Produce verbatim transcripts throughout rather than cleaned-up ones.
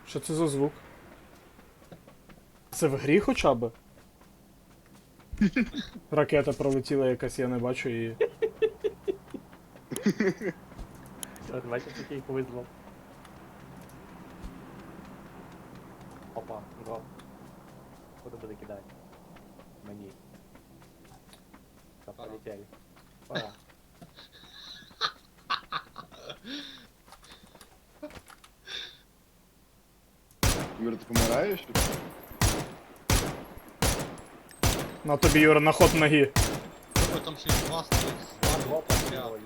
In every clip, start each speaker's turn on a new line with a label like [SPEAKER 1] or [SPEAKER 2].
[SPEAKER 1] Що це за звук? Це в грі хоча б? Ракета пролетіла якась, я не бачу її.
[SPEAKER 2] От бачиш, який визвав. Опа, дроп. Куди буде кидати? Мені. Все,
[SPEAKER 3] Пора.
[SPEAKER 2] полетели. Пора.
[SPEAKER 4] Юра, ти помираєш?
[SPEAKER 1] На тобі, Юра, на ход ноги.
[SPEAKER 3] Ой, там ще й два стоїть.
[SPEAKER 2] Два дропа, ё-моё.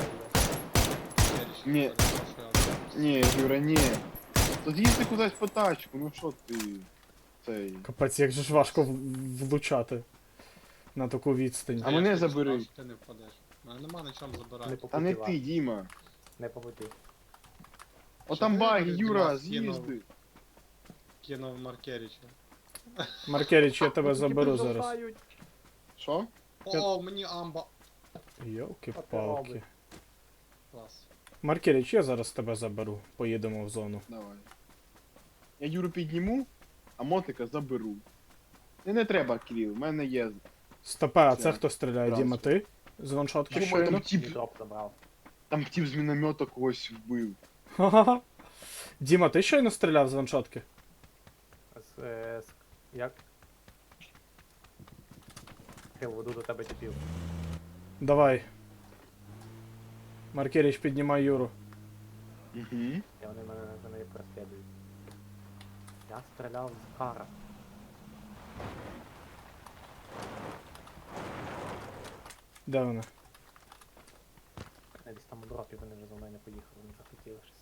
[SPEAKER 4] Ні. Ні, Юра, ні. Тут їзди кудись по тачку, ну що ти... Цей...
[SPEAKER 1] Капець, як же ж важко в- влучати на таку відстань.
[SPEAKER 4] А мене забери.
[SPEAKER 3] Ти не впадеш. У мене нема на чому
[SPEAKER 2] Не
[SPEAKER 3] забирати.
[SPEAKER 2] по
[SPEAKER 4] Та не
[SPEAKER 2] пути,
[SPEAKER 4] ти,
[SPEAKER 2] ладно.
[SPEAKER 4] Діма.
[SPEAKER 2] Не по пути.
[SPEAKER 4] О там баги,
[SPEAKER 3] Діма
[SPEAKER 4] Юра,
[SPEAKER 3] скинув.
[SPEAKER 4] з'їзди.
[SPEAKER 3] Кинув Маркеріча.
[SPEAKER 1] Маркеріч, я тебе заберу зараз.
[SPEAKER 2] Продовжають.
[SPEAKER 4] Що?
[SPEAKER 3] О, мені амба.
[SPEAKER 1] Йолки-палки.
[SPEAKER 3] Клас.
[SPEAKER 1] Маркеріч, я зараз тебе заберу. Поїдемо в зону.
[SPEAKER 4] Давай. Я Юру підніму, а мотика заберу. Не, не треба, Кирил, в мене є.
[SPEAKER 1] Стопе, а це
[SPEAKER 4] Це
[SPEAKER 1] хто стріляє?
[SPEAKER 4] разом.
[SPEAKER 1] Діма, ти? З ваншотки
[SPEAKER 4] Думаю,
[SPEAKER 1] щойно?
[SPEAKER 4] там
[SPEAKER 2] І
[SPEAKER 4] тіп,
[SPEAKER 2] дроп забрав.
[SPEAKER 4] там тіп з міномета когось вбив.
[SPEAKER 1] Ха-ха-ха. Діма, ти щойно стріляв з ваншотки?
[SPEAKER 2] З, е, з, як? Хил, веду до тебе тіпів.
[SPEAKER 1] Давай. Маркеріч, піднімай Юру.
[SPEAKER 4] Угу.
[SPEAKER 2] І вони мене, мене переслідують. Я стріляв з кара.
[SPEAKER 1] Де вона?
[SPEAKER 2] Я десь там у дропі, вони вже за мною не поїхали, не захотіли щось.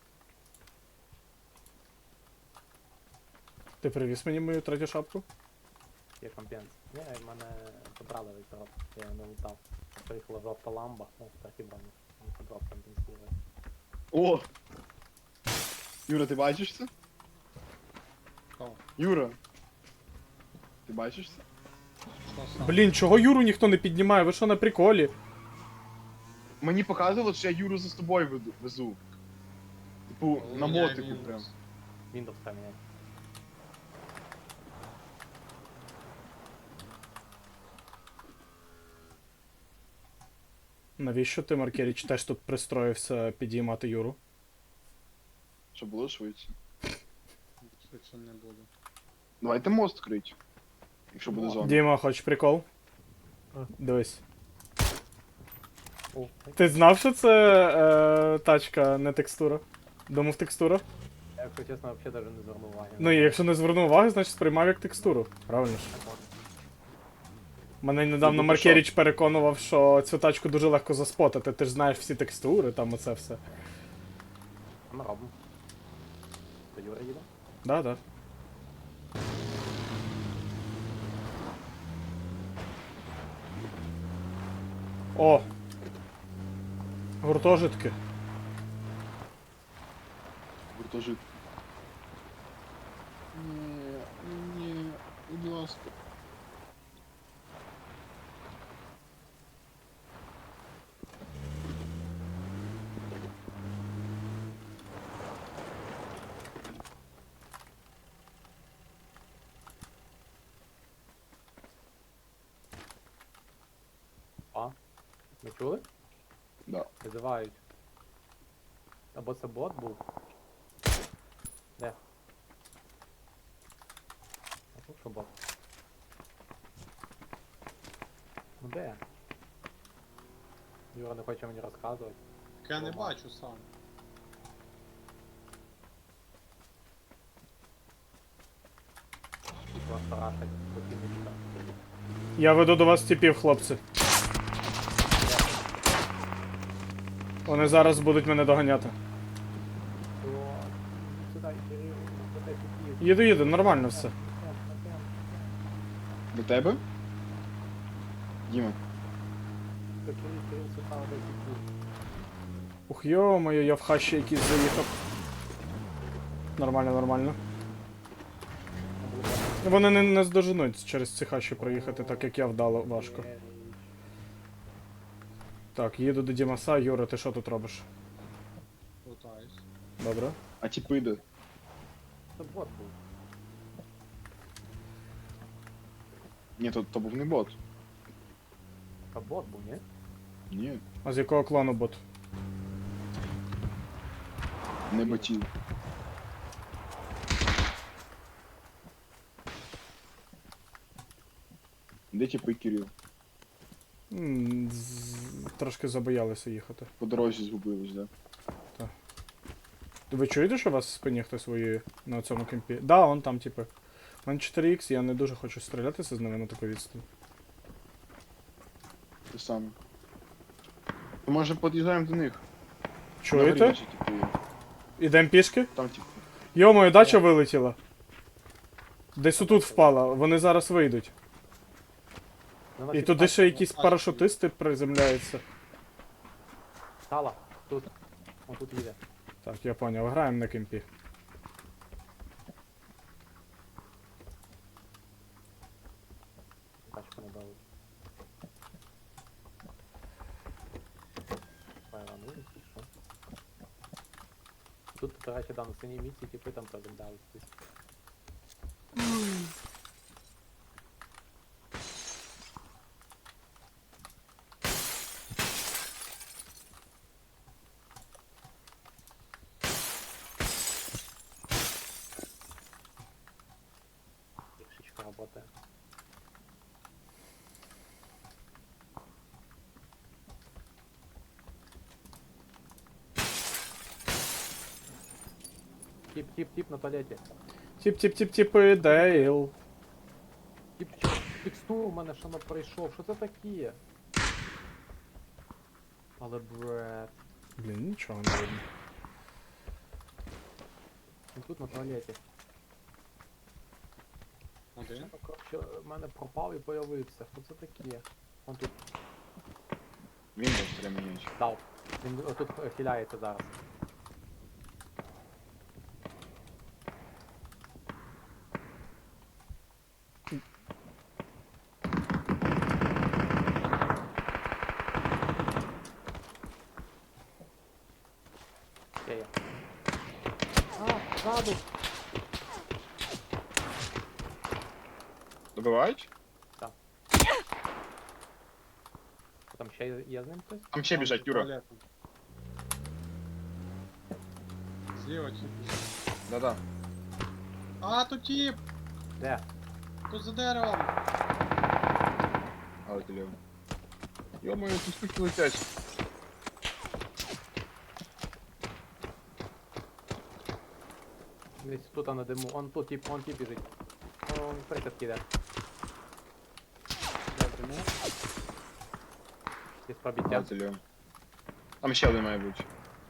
[SPEAKER 1] Ти привіз мені мою третю шапку?
[SPEAKER 2] Є компенс. Ні, в мене забрали весь дроп, я його не лутав. Приїхала жовта ламба, ну, трохи броню. Мені по дроп компенсує.
[SPEAKER 4] О! Юра, ти бачиш це?
[SPEAKER 3] Кого?
[SPEAKER 4] Юра! Ти бачиш це?
[SPEAKER 3] Що сам?
[SPEAKER 1] Блін, чого Юру ніхто не піднімає? Ви що на приколі?
[SPEAKER 4] Мені показувало, що я Юру за собою веду, везу. Типу,
[SPEAKER 3] О,
[SPEAKER 4] на
[SPEAKER 3] я
[SPEAKER 4] мотику
[SPEAKER 3] Windows.
[SPEAKER 4] прям.
[SPEAKER 2] Windows поміняй.
[SPEAKER 1] Навіщо ти, Маркеріч, теж тут пристроївся підіймати Юру?
[SPEAKER 4] Щоб було швидше.
[SPEAKER 3] Швидше не буде.
[SPEAKER 4] Давайте мост крить. Якщо буде
[SPEAKER 3] Мост.
[SPEAKER 4] зона.
[SPEAKER 1] Діма, хочеш прикол?
[SPEAKER 2] А.
[SPEAKER 1] Дивись.
[SPEAKER 2] О,
[SPEAKER 1] Ти знав, що це е, тачка, не текстура? Думав текстура?
[SPEAKER 2] я, якщо чесно, взагалі навіть не звернув уваги.
[SPEAKER 1] Ну і якщо не звернув уваги, значить сприймав як текстуру. Правильно ж?
[SPEAKER 2] Так от.
[SPEAKER 1] Мене недавно
[SPEAKER 4] Ну,
[SPEAKER 1] Маркеріч переконував, що цю тачку дуже легко заспотати. Ти ж знаєш всі текстури, там оце все.
[SPEAKER 2] Ми робимо. То Юра їде?
[SPEAKER 1] Да, да. О! Гуртожитки.
[SPEAKER 4] Гуртожит. Ні, ні, будь ласка.
[SPEAKER 2] А? Ви чули?
[SPEAKER 4] Да.
[SPEAKER 2] Визивають. Або це бот був. Де? А тут що бот? Ну де? Юра не хоче мені розказувати.
[SPEAKER 3] Так я не бачу сам.
[SPEAKER 2] І просто рашать покинучка.
[SPEAKER 1] Я веду до вас типів, хлопці. Вони зараз будуть мене доганяти.
[SPEAKER 2] Сюди, Кирил, сюди тіпів.
[SPEAKER 1] Їду, їду, нормально все.
[SPEAKER 4] До тебе? Діма.
[SPEAKER 2] Кирил, Кирил, сюди, де тіпів.
[SPEAKER 1] Ух, йо-моє, я в хащі якийсь заїхав. Нормально, нормально. Вони не, не здоженуть через ці хащі проїхати, так як я вдало важко. Так, їду до Дімаса. Юра, ти що тут робиш?
[SPEAKER 3] Лутаюсь.
[SPEAKER 1] Добре.
[SPEAKER 4] А тіпи де?
[SPEAKER 2] це бот був.
[SPEAKER 4] Ні, то, то був не бот.
[SPEAKER 2] Та бот був, ні?
[SPEAKER 4] Ні,
[SPEAKER 1] А з якого клану бот?
[SPEAKER 4] не ботів. Де типу Кирил?
[SPEAKER 1] М, з- Трошки забоялися їхати.
[SPEAKER 4] По дорозі згубились, да?
[SPEAKER 1] Ви чуєте, що у вас в спині хтось воює на цьому кемпі? Да, он там, типу. У мене чотири ікс, я не дуже хочу стрілятися з ними на таку відстань.
[SPEAKER 4] Те саме. То може під'їжджаємо до них?
[SPEAKER 1] Чуєте?
[SPEAKER 4] Нагорі, типу, є.
[SPEAKER 1] Ідем пішки?
[SPEAKER 4] Там типу.
[SPEAKER 1] Йо-моє, дача вилетіла. Десь отут впала, вони зараз вийдуть.
[SPEAKER 2] Ну,
[SPEAKER 1] І
[SPEAKER 2] значить,
[SPEAKER 1] туди
[SPEAKER 2] так,
[SPEAKER 1] ще
[SPEAKER 2] ну,
[SPEAKER 1] якісь парашутисти приземляються.
[SPEAKER 2] Стала, тут. Он тут їде.
[SPEAKER 1] Так, я поняв, граємо на кемпі.
[SPEAKER 2] Тачку не дали. Пайранули, чи що? Тут, до речі, да, на синій місці типи там приземлялись. десь. Пішечка работає. Тип, тип, тип на туалеті.
[SPEAKER 1] Тіп-тіп-тіп-тіпи, Дейл.
[SPEAKER 2] Тип, текстур у мене ще не прийшов. Що це таке? Але бред.
[SPEAKER 1] Блін, нічого не видно.
[SPEAKER 2] Він тут на туалеті.
[SPEAKER 3] Один.
[SPEAKER 2] Ну, коротше, в мене пропав і появився. Що це таке? Он тут
[SPEAKER 4] Він був стремінеч.
[SPEAKER 2] дав. Він отут хиляється зараз. Де я? А, ззаду!
[SPEAKER 4] Добивають?
[SPEAKER 2] Там ще є, є з ним хтось?
[SPEAKER 4] Там ще біжать, Юра.
[SPEAKER 3] Туалетом. Зліва тип.
[SPEAKER 4] Да-да.
[SPEAKER 3] А, тут тип!
[SPEAKER 2] Де?
[SPEAKER 3] Тут за деревом!
[SPEAKER 4] Але ти ліво. Йо-моє, тут скільки летять.
[SPEAKER 2] Десь тут на диму. Он тут тип, он тип біжить. Он присядки йде. Десь пробиття.
[SPEAKER 4] Але ти ліво. Там ще один має бути.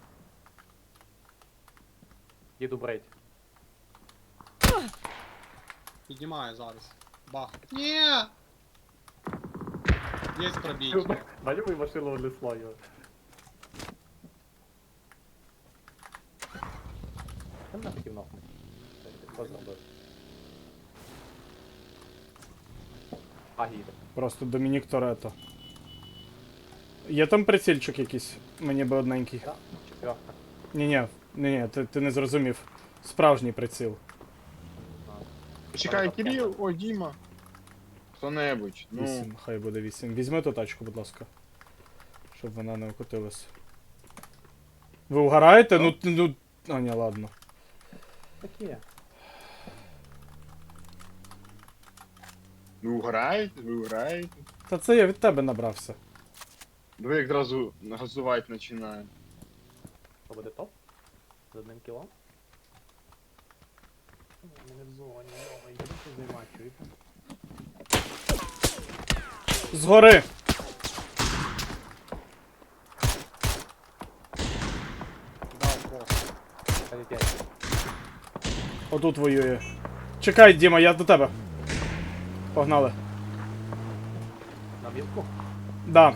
[SPEAKER 2] Їду брейд.
[SPEAKER 3] Піднімаю зараз. Бах. Ні! Є пробіття.
[SPEAKER 2] Малюй машину внесло його. Там на хотів нахуй. Що зробив? А, їде.
[SPEAKER 1] Просто Домінік Торетто. Є там прицільчик якийсь? Мені би одненький.
[SPEAKER 2] Так, четверка.
[SPEAKER 1] Ні-ні, ні-ні, ти, ти не зрозумів. Справжній приціл.
[SPEAKER 2] Не знаю.
[SPEAKER 4] Почекай, Кирил, о, Діма. Хто-небудь, ну.
[SPEAKER 1] Вісім, хай буде вісім. Візьми ту тачку, будь ласка. Щоб вона не окотилась. Ви угораєте? Ну, ти- ну. А, ні, ладно.
[SPEAKER 2] Таке.
[SPEAKER 4] Ви угораєте, ви угораєте.
[SPEAKER 1] Та це я від тебе набрався.
[SPEAKER 4] Ви як одразу газувати починає.
[SPEAKER 2] Що буде топ? З одним кілом? Ми не в зоні, йома, йдемо займати, чуєте?
[SPEAKER 1] Згори!
[SPEAKER 3] Дав просто.
[SPEAKER 2] Полетять.
[SPEAKER 1] Отут воює. Чекай, Діма, я до тебе. Погнали.
[SPEAKER 2] На візку?
[SPEAKER 1] Да.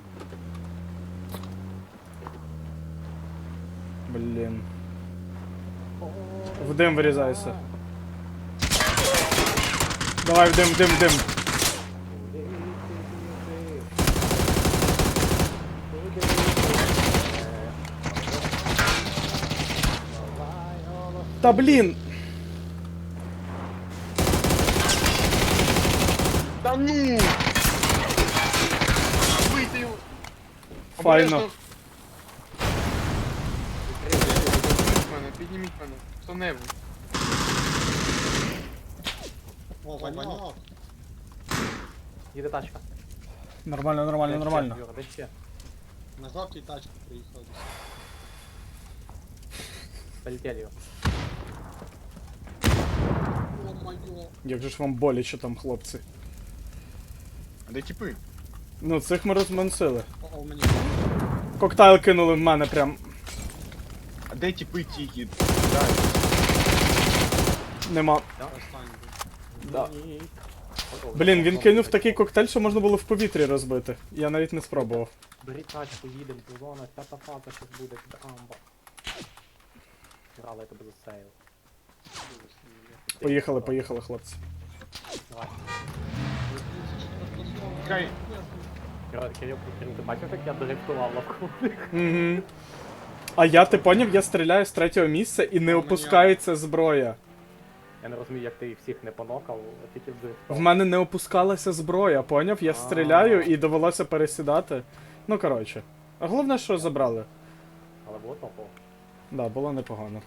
[SPEAKER 1] Блін. В дим вирізайся. Давай в дим, в дим, в дим. Та блін! файно.
[SPEAKER 4] Обережно. Підніміть мене, підніміть мене. Хто-небудь.
[SPEAKER 3] О, ваньок.
[SPEAKER 2] Їде тачка.
[SPEAKER 1] Нормально, нормально,
[SPEAKER 2] Де ще,
[SPEAKER 1] нормально.
[SPEAKER 2] Юра, де ще?
[SPEAKER 3] На жовтій тачці приїхали.
[SPEAKER 2] Полетели його.
[SPEAKER 3] О, майо.
[SPEAKER 1] Як же ж вам боляче там, хлопці.
[SPEAKER 4] А де тіпи?
[SPEAKER 1] Ну, цих ми розмансили.
[SPEAKER 3] О, о, мені.
[SPEAKER 1] Коктейл кинули в мене прям.
[SPEAKER 4] А де тіпи тільки?
[SPEAKER 1] Нема.
[SPEAKER 3] Останній був.
[SPEAKER 1] Да.
[SPEAKER 2] Ні.
[SPEAKER 1] Блін, він кинув такий коктейль, що можна було в повітрі розбити. Я навіть не спробував.
[SPEAKER 2] Бери тачку, їдем, зона, п'ята фаза щось буде, під амба. Грала, я тебе засеяв.
[SPEAKER 1] Поїхали, поїхали, хлопці.
[SPEAKER 2] Давай.
[SPEAKER 4] Чекай.
[SPEAKER 2] Кирил, Кирил, Кирил, ти бачив, як я директував лавку?
[SPEAKER 1] Угу. А я, ти поняв, я стріляю з третього місця і не опускається зброя.
[SPEAKER 2] Я не розумію, як ти їх всіх не понокав, а тільки
[SPEAKER 1] В
[SPEAKER 2] вдиректував.
[SPEAKER 1] мене не опускалася зброя, поняв? Я стріляю і довелося пересідати. Ну, коротше. А головне, що забрали.
[SPEAKER 2] Але було топово.
[SPEAKER 1] Да, було непогано.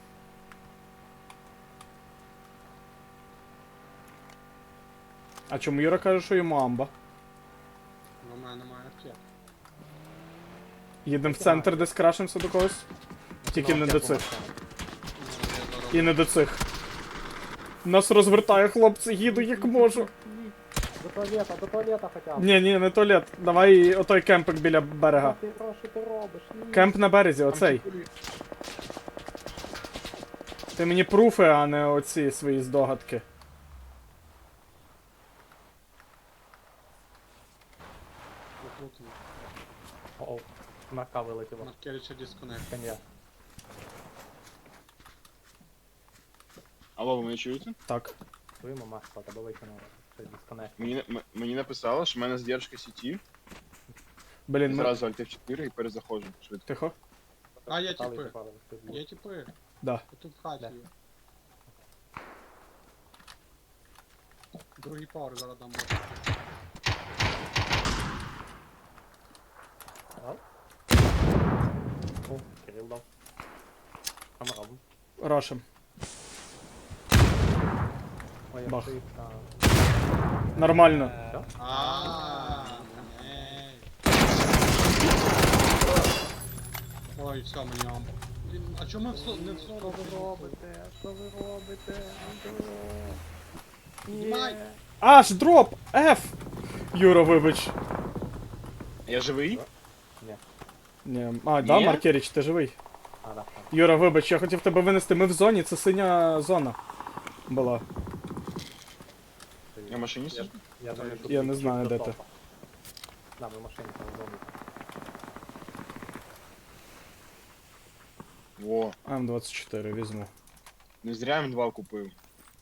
[SPEAKER 1] А чому Юра каже, що йому амба?
[SPEAKER 3] У мене немає аптек.
[SPEAKER 1] Їдемо в центр, десь крашимося до когось. Тільки не до цих.
[SPEAKER 3] Ну, я зараз-
[SPEAKER 1] І не до цих. Нас розвертає, хлопці, їду як можу.
[SPEAKER 2] До туалета, до туалета хоча б.
[SPEAKER 1] Ні, ні, не туалет. Давай отой кемпик біля берега.
[SPEAKER 2] Ти що, що ти робиш? Ні.
[SPEAKER 1] Кемп на березі, оцей.
[SPEAKER 4] Там тіпи.
[SPEAKER 1] Ти мені пруфи, а не оці свої здогадки.
[SPEAKER 3] Викрутимо.
[SPEAKER 2] О, марка вилетіла.
[SPEAKER 3] Маркерича дисконект.
[SPEAKER 2] Коня.
[SPEAKER 4] Алло, ви мене чуєте?
[SPEAKER 1] Так.
[SPEAKER 2] Твоїм марка, тебе викинула. Щось дисконект.
[SPEAKER 4] Мені, м- мені написало, що в мене задержка сіті.
[SPEAKER 1] Блін, ми...
[SPEAKER 4] Зразу Alt F чотири і перезаходжу. Швидко.
[SPEAKER 1] Тихо.
[SPEAKER 3] А, є
[SPEAKER 2] Стали
[SPEAKER 3] тіпи.
[SPEAKER 2] запали, хтось був.
[SPEAKER 3] Є тіпи.
[SPEAKER 1] Да.
[SPEAKER 3] Тут в хаті
[SPEAKER 2] Де?
[SPEAKER 3] є. Другий пауер зараз дам.
[SPEAKER 2] Ага. О, Кирил дав. Що ми робимо?
[SPEAKER 1] Рошим.
[SPEAKER 2] Ой,
[SPEAKER 1] Бах.
[SPEAKER 2] я там.
[SPEAKER 1] Нормально.
[SPEAKER 2] Все?
[SPEAKER 3] А, ей. Ой, все, мені амбо. Блін, а чому ми в со- не в
[SPEAKER 2] Що
[SPEAKER 3] сорок
[SPEAKER 2] ви робите? Що ви робите?
[SPEAKER 3] Знімай.
[SPEAKER 2] Ні.
[SPEAKER 1] Аж дроп! F! Юра, вибач.
[SPEAKER 4] Я живий?
[SPEAKER 2] Ні.
[SPEAKER 1] Ні. А, да,
[SPEAKER 4] Ні?
[SPEAKER 1] Маркеріч, ти живий.
[SPEAKER 2] А, да, так.
[SPEAKER 1] Юра, вибач, я хотів тебе винести. Ми в зоні, це синя зона була.
[SPEAKER 4] Я в машині сиджу?
[SPEAKER 2] Я, думаю, що
[SPEAKER 1] Я
[SPEAKER 2] ти
[SPEAKER 1] не знаю,
[SPEAKER 2] чіп
[SPEAKER 1] де
[SPEAKER 2] до
[SPEAKER 1] ти.
[SPEAKER 2] топа. Да, ми в машині там вдома.
[SPEAKER 4] Во,
[SPEAKER 1] М двадцять чотири візьму.
[SPEAKER 4] не зря М два купив.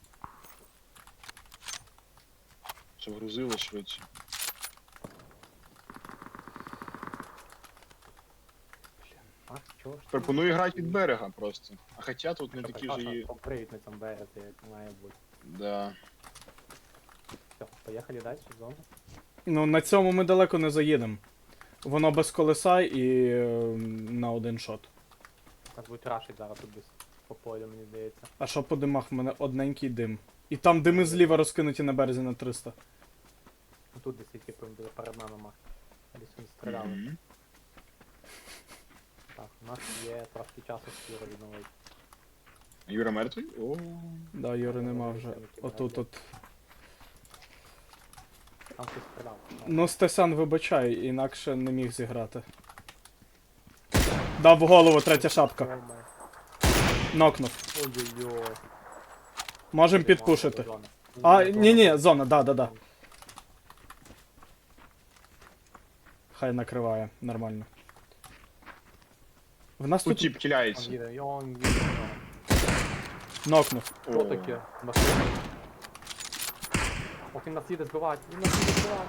[SPEAKER 4] Щоб грузило швидше.
[SPEAKER 2] А, чого ж? ти?
[SPEAKER 4] Пропоную грати від берега просто. А хоча тут не
[SPEAKER 2] Що,
[SPEAKER 4] такі
[SPEAKER 2] Саша,
[SPEAKER 4] вже і.
[SPEAKER 2] поприють на цьому березі, як має бути.
[SPEAKER 4] Да.
[SPEAKER 2] Все, поїхали далі в зону.
[SPEAKER 1] Ну, на цьому ми далеко не заїдемо. Воно без колеса і е, на один шот.
[SPEAKER 2] Нас будуть рашить зараз тут десь по полю, мені здається.
[SPEAKER 1] А що по димах? В мене одненький дим. І там дими зліва розкинуті на березі на триста.
[SPEAKER 2] Ну тут десь які буде перед нами мах. Десь вони стріляли.
[SPEAKER 4] Мгм.
[SPEAKER 2] Так, у нас є трошки часу скоро відновити.
[SPEAKER 4] Юра мертвий? О.
[SPEAKER 1] Да, Юри нема вже. Отут от.
[SPEAKER 2] Там хтось стріляв.
[SPEAKER 1] Ну, Стесан, вибачай, інакше не міг зіграти. Дав в голову третя шапка. Нокнув.
[SPEAKER 2] Ой-ой-ой.
[SPEAKER 1] Можем підпушити. А, ні, ні, зона, да, да, да. Хай накриває, нормально. В нас
[SPEAKER 4] Тут
[SPEAKER 1] тут
[SPEAKER 4] тип
[SPEAKER 2] Он
[SPEAKER 4] киляється.
[SPEAKER 2] їде, і он їде.
[SPEAKER 1] нокнув.
[SPEAKER 2] Що таке? Машина? Ох, він нас їде збивати, він нас їде збивати.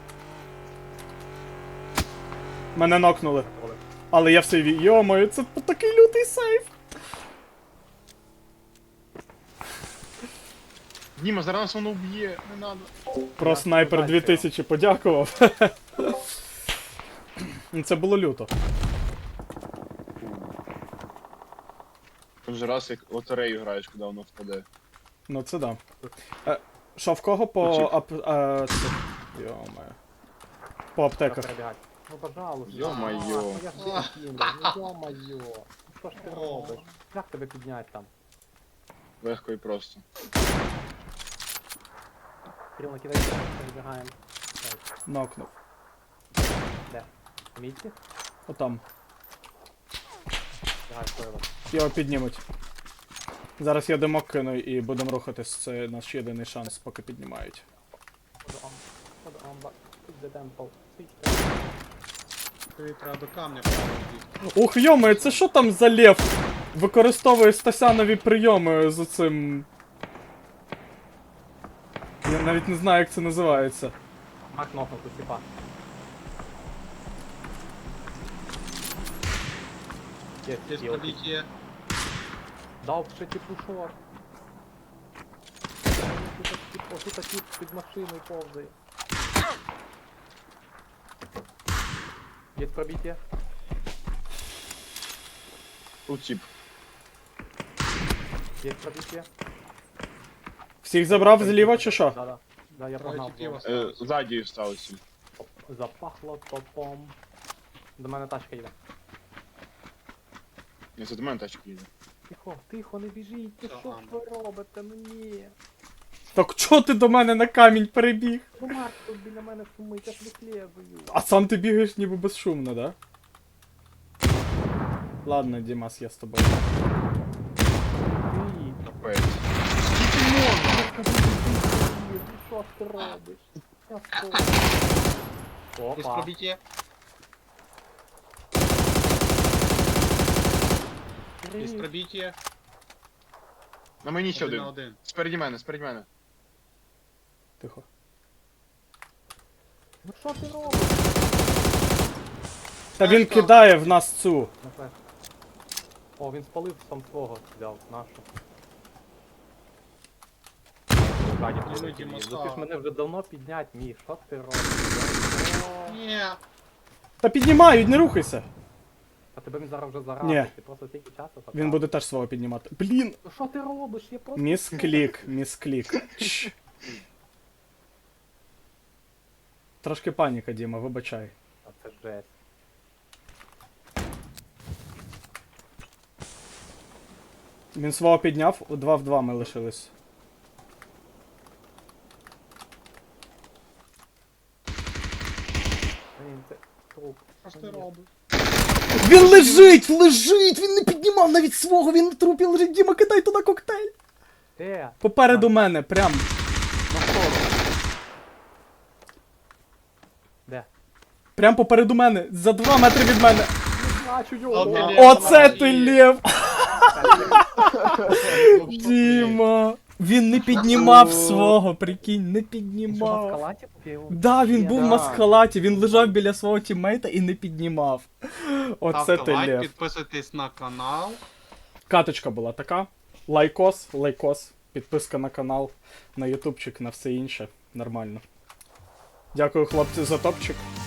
[SPEAKER 1] Мене нокнули.
[SPEAKER 2] Олег,
[SPEAKER 1] Але я в сейві. Йомаю, це такий лютий сейв.
[SPEAKER 4] Діма, зараз нас воно вб'є, не надо.
[SPEAKER 1] Про
[SPEAKER 2] Я
[SPEAKER 1] снайпер
[SPEAKER 2] сподіваюся,
[SPEAKER 1] дві тисячі подякував. Ну, це було люто.
[SPEAKER 4] Вже раз як лотерею граєш, коли воно впаде.
[SPEAKER 1] Ну це да. Е, що, в кого по
[SPEAKER 4] Включив.
[SPEAKER 1] ап... Е, це... Йо-моє. По аптеках.
[SPEAKER 2] Перебігать. Ну, пожалуйста.
[SPEAKER 4] Ё-моё.
[SPEAKER 2] Ну, я ж тебе кину. Ну, ё-моё. Ну, що ж ти робиш? Як тебе підняти там?
[SPEAKER 4] Легко і просто.
[SPEAKER 2] Кирил, накидай, перебігаємо. Так,
[SPEAKER 1] Нокнув.
[SPEAKER 2] де? Мітці?
[SPEAKER 1] Отам.
[SPEAKER 2] Бігай, стоїло.
[SPEAKER 1] Його піднімуть. Зараз я димок кину і будемо рухатись. Це наш єдиний шанс, поки піднімають.
[SPEAKER 2] Ходу ам. Ходу амба. Switch the temple. Switch the
[SPEAKER 3] Тобі треба до камня правити.
[SPEAKER 1] Ух, йоми, це що там за лев? Використовує стасянові прийоми з цим. Я навіть не знаю, як це називається.
[SPEAKER 2] Мак нокнув тут, типа. Є,
[SPEAKER 3] Є
[SPEAKER 2] є,
[SPEAKER 3] пробиття.
[SPEAKER 2] дав ще типу шор. Тут тип, отут тип під машиною повзає. Є пробиття?
[SPEAKER 4] Тут тип.
[SPEAKER 2] Є пробиття?
[SPEAKER 1] Всіх забрав зліва чи що?
[SPEAKER 2] Да-да. Да, я
[SPEAKER 3] Троє
[SPEAKER 2] погнав.
[SPEAKER 3] типів
[SPEAKER 2] знову.
[SPEAKER 3] осталось.
[SPEAKER 4] Е, ззаді сталося.
[SPEAKER 2] Запахло топом. До мене тачка їде.
[SPEAKER 4] Не це до мене тачка їде.
[SPEAKER 2] Тихо, тихо, не біжіть, ти
[SPEAKER 3] Що,
[SPEAKER 2] що ж
[SPEAKER 3] Амба?
[SPEAKER 2] ви робите? Ну ні.
[SPEAKER 1] Так чого ти до мене на камінь перебіг?
[SPEAKER 2] Ну Марк тут біля мене шумить, я ж вислєзую.
[SPEAKER 1] А сам ти бігаєш ніби безшумно, да? Ладно, Дімас, я з тобою.
[SPEAKER 2] Ні.
[SPEAKER 4] Капець.
[SPEAKER 2] Ну що ж ти робиш? Я скоро.
[SPEAKER 3] Є
[SPEAKER 2] Опа.
[SPEAKER 3] пробиття. Є
[SPEAKER 2] Кирил,
[SPEAKER 3] пробиття.
[SPEAKER 4] На мені ще
[SPEAKER 3] Один на
[SPEAKER 4] один.
[SPEAKER 3] один.
[SPEAKER 4] Спереді мене, спереді мене.
[SPEAKER 1] Тихо.
[SPEAKER 2] ну що ти робиш?
[SPEAKER 1] Та він
[SPEAKER 3] що?
[SPEAKER 1] кидає в нас цю.
[SPEAKER 2] На флеш. О, він спалив сам свого, взяв, нашу. Ззаді
[SPEAKER 3] Ну,
[SPEAKER 2] прилетів.
[SPEAKER 3] Діма,
[SPEAKER 2] Ну ти ж
[SPEAKER 3] слава.
[SPEAKER 2] мене вже давно піднять міг, що ти робиш? О,
[SPEAKER 3] Ні.
[SPEAKER 1] Та піднімають, не рухайся.
[SPEAKER 2] А тебе він зараз вже
[SPEAKER 1] Ні.
[SPEAKER 2] заразив, ти просто тільки часу
[SPEAKER 1] Він
[SPEAKER 2] потратив.
[SPEAKER 1] буде теж свого піднімати. Блін!
[SPEAKER 2] Ну що ти робиш? Я просто...
[SPEAKER 1] Місклік, місклік. Чш. Трошки паніка, Діма, вибачай.
[SPEAKER 2] А це жесть.
[SPEAKER 1] Він свого підняв, у два в два ми лишились.
[SPEAKER 2] Блін, це труп.
[SPEAKER 3] Що ж ти робиш?
[SPEAKER 1] Він лежить! Лежить! Він не піднімав навіть свого, він на трупі лежить. Діма, кидай туди коктейль!
[SPEAKER 2] Де?
[SPEAKER 1] Попереду мене, прям.
[SPEAKER 2] На сторону. Де?
[SPEAKER 1] Прям попереду мене, за два метри від мене.
[SPEAKER 2] Не бачу
[SPEAKER 3] От
[SPEAKER 2] його.
[SPEAKER 3] ти
[SPEAKER 2] О,
[SPEAKER 3] лев.
[SPEAKER 1] Оце ти лев!
[SPEAKER 3] Діма.
[SPEAKER 1] Діма! Він не піднімав
[SPEAKER 4] О.
[SPEAKER 1] свого, прикинь, не
[SPEAKER 2] Він що, в
[SPEAKER 1] піднімав.
[SPEAKER 2] маскалаті? Я його-
[SPEAKER 1] Да, він
[SPEAKER 2] Я-
[SPEAKER 1] був в
[SPEAKER 4] Да.
[SPEAKER 1] маскалаті, він лежав біля свого тіммейта і не піднімав. Оце
[SPEAKER 3] Ставте
[SPEAKER 1] ти
[SPEAKER 3] лайк,
[SPEAKER 1] лев.
[SPEAKER 3] підписуйтесь на канал.
[SPEAKER 1] Каточка була така. Лайкос, лайкос, підписка на канал, на ютубчик, на все інше. Нормально. Дякую, хлопці, за топчик.